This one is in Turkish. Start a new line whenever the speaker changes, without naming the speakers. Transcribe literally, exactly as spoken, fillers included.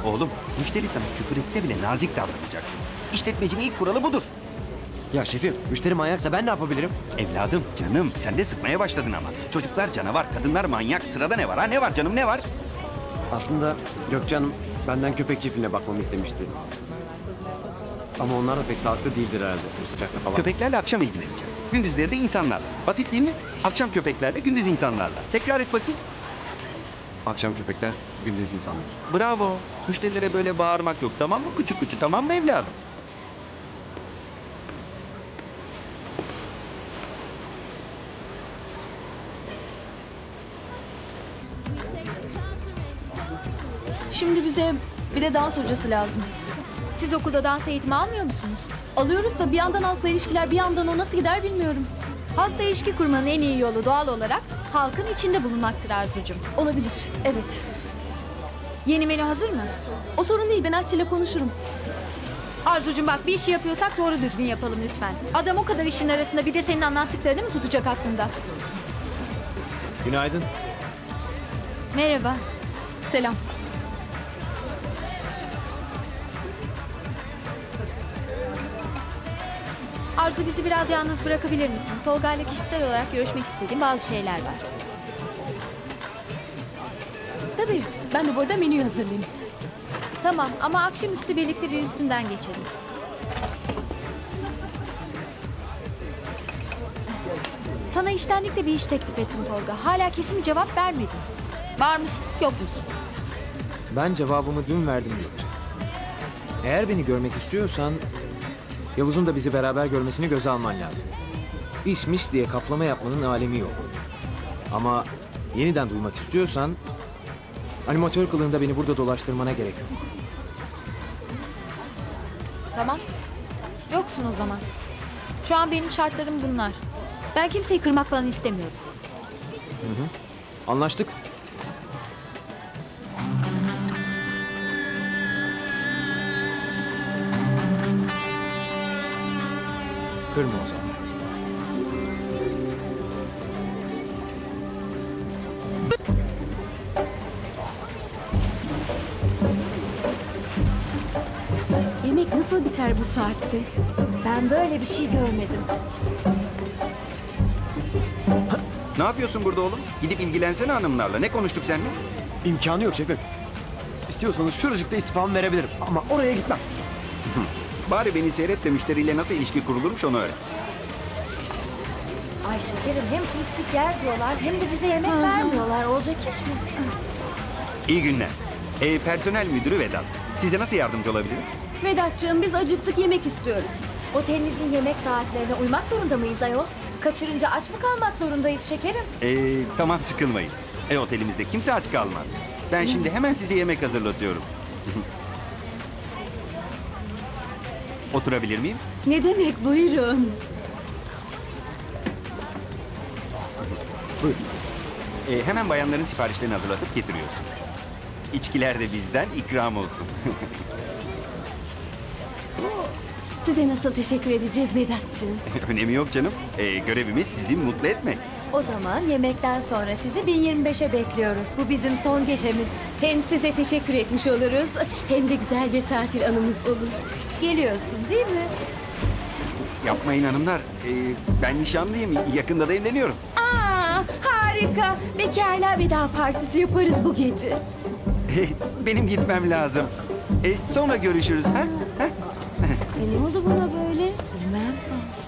Oğlum, müşteri sana küfür etse bile nazik davranacaksın. İşletmecinin ilk kuralı budur.
Ya şefim, müşteri manyaksa ben ne yapabilirim?
Evladım, canım, sen de sıkmaya başladın ama. Çocuklar canavar, kadınlar manyak. Sırada ne var ha? Ne var canım, ne var?
Aslında Gökçe Hanım benden köpek çiftliğine bakmamı istemişti. Ama onlar da pek sağlıklı değildir herhalde bu sıcakta falan.
Köpeklerle akşam ilgileneceğim. Gündüzleri de insanlarla. Basit değil mi? Akşam köpeklerle, gündüz insanlarla. Tekrar et bakayım.
Akşam köpekler, gündüz insanlar.
Bravo. Müşterilere böyle bağırmak yok, tamam mı? Küçük küçük, tamam mı evladım?
Şimdi bize bir de dans hocası lazım.
Siz okulda dans eğitimi almıyor musunuz?
Alıyoruz da bir yandan halkla ilişkiler, bir yandan o nasıl gider bilmiyorum.
Halkla ilişki kurmanın en iyi yolu doğal olarak halkın içinde bulunmaktır Arzucuğum.
Olabilir, evet.
Yeni menü hazır mı?
O sorun değil, ben aşçıyla konuşurum.
Arzucuğum bak, bir işi yapıyorsak doğru düzgün yapalım lütfen. Adam o kadar işin arasında bir de senin anlattıklarını mı tutacak aklında?
Günaydın.
Merhaba.
Selam.
Arzu, bizi biraz yalnız bırakabilir misin? Tolga ile kişisel olarak görüşmek istediğim bazı şeyler var.
Tabii, ben de bu arada menüyü hazırlayayım.
Tamam ama akşamüstü birlikte bir üstünden geçelim. Sana iştenlikle bir iş teklif ettim Tolga. Hala kesin bir cevap vermedin. Var mısın, yok musun?
Ben cevabımı dün verdim Gökçe. Eğer beni görmek istiyorsan Yavuz'un da bizi beraber görmesini göze alman lazım. İşmiş diye kaplama yapmanın alemi yok. Ama yeniden duymak istiyorsan animatör kılığında beni burada dolaştırmana gerek yok.
Tamam. Yoksun o zaman. Şu an benim şartlarım bunlar. Ben kimseyi kırmak falan istemiyorum.
Anlaştık. Kırma o zaman.
Yemek nasıl biter bu saatte?
Ben böyle bir şey görmedim.
Ne yapıyorsun burada oğlum? Gidip ilgilensene hanımlarla. Ne konuştuk seninle?
İmkanı yok şefim. İstiyorsanız şuracıkta istifamı verebilirim. Ama oraya gitmem.
Bari beni seyret de müşteriyle nasıl ilişki kurulurmuş onu öğren.
Ay şekerim, hem turistik yer diyorlar hem de bize yemek vermiyorlar. Olacak iş mi?
İyi günler. Ee, personel müdürü Vedat. Size nasıl yardımcı olabilirim?
Vedat'cığım biz acıktık, yemek istiyoruz.
Otelinizin yemek saatlerine uymak zorunda mıyız ayol? Kaçırınca aç mı kalmak zorundayız şekerim?
Ee, tamam sıkılmayın. E otelimizde kimse aç kalmaz. Ben şimdi hemen size yemek hazırlatıyorum. Oturabilir miyim?
Ne demek, buyurun.
Buyurun. Ee, hemen bayanların siparişlerini hazırlatıp getiriyorsun. İçkiler de bizden ikram olsun.
Size nasıl teşekkür edeceğiz Vedat'cığım?
Önemi yok canım. Ee, görevimiz sizi mutlu etmek.
O zaman yemekten sonra sizi bin yirmi beşe bekliyoruz. Bu bizim son gecemiz.
Hem size teşekkür etmiş oluruz, hem de güzel bir tatil anımız olur.
Geliyorsun değil mi?
Yapmayın hanımlar. Ee, ben nişanlıyım. Yakında da evleniyorum.
Aa, harika. Bekarlığa veda partisi yaparız bu gece.
Ee, benim gitmem lazım. Ee, sonra görüşürüz. Ha? Ha?
E ne oldu buna böyle? Bilmem.